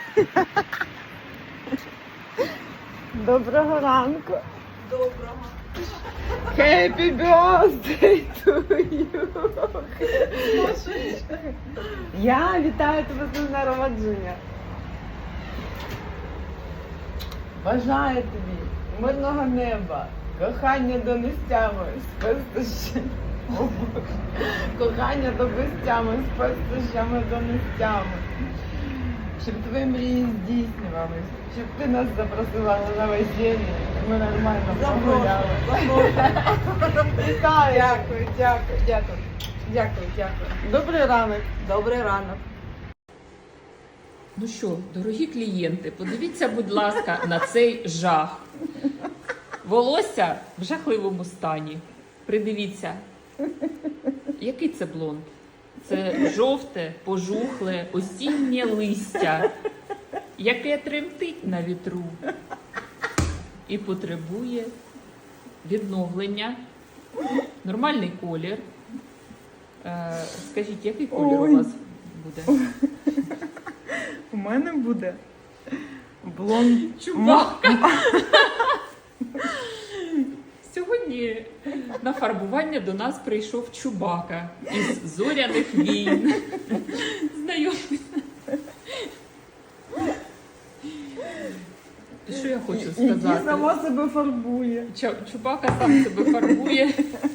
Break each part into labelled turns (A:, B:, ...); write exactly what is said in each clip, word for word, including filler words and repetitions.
A: Доброго ранку.
B: Доброго.
A: Happy birthday to you. Я вітаю тебе з днем народження. Бажаю тобі мирного неба, кохання до нестями, з пестощами. Кохання до безтями, з пестощами до нестями. Щоб твої мрії здійснювались, щоб ти нас запросила на весілля, ми нормально погуляли. Вітаю!
B: Дякую, дякую, дякую. Дякую, дякую.
A: Добрий ранок.
B: Добрий ранок.
C: Ну що, дорогі клієнти, подивіться, будь ласка, на цей жах. Волосся в жахливому стані. Придивіться. Який це блонд? Це жовте, пожухле, осіннє листя, яке тремтить на вітру і потребує відновлення. Нормальний колір. Е, скажіть, який колір
A: Ой.
C: у вас буде?
A: У мене буде блонд.
C: Чубака. Сьогодні на фарбування до нас прийшов Чубака із зоряних війн. Знайомий. І що я хочу
A: Який
C: сказати?
A: сама себе фарбує.
C: Ча- Чубака сам себе фарбує.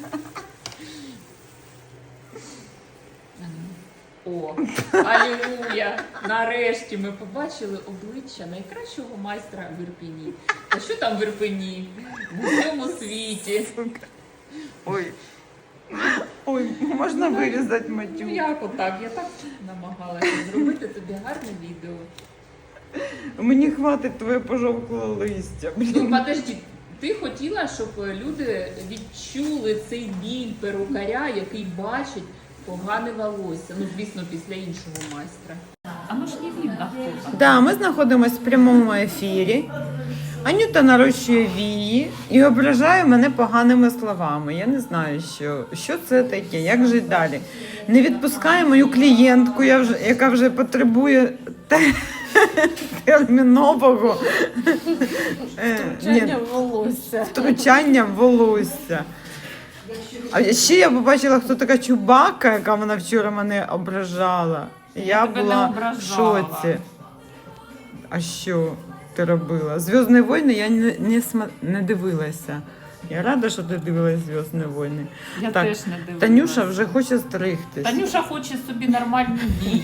C: О, алілуя! Нарешті ми побачили обличчя найкращого майстра в Ірпені. А що там в Ірпені? В усьому світі.
A: Ой. Ой, можна вирізати
C: Ну
A: матюк.
C: як отак? Я так намагалася зробити тобі гарне відео.
A: Мені хватить твоє пожовкле листя.
C: Ну,
A: Блін.
C: подожди, ти хотіла, щоб люди відчули цей біль перукаря, який бачить погане волосся. Ну, звісно, після іншого майстра. А ну ж не видно, хто там.
A: Да, ми знаходимося в прямому ефірі. Анюта нарощує вії і ображає мене поганими словами. Я не знаю, що, що це таке, як жити далі. Не відпускає мою клієнтку, я вже, яка вже потребує те- термінового е, ні,
B: волосся.
A: втручання в волосся. А ще я побачила, хто така Чубака, яка вона вчора мене ображала. Я,
C: тебе
A: була
C: не
A: в
C: ображала.
A: шоці. А що ти робила? Зв'язні війни я не, не, сма- не дивилася. Я рада, що ти дивилась Зв'язні війни.
C: Я
A: Так,
C: теж не дивилася.
A: Танюша вже хоче стригтись.
C: Танюша хоче собі нормальні вії.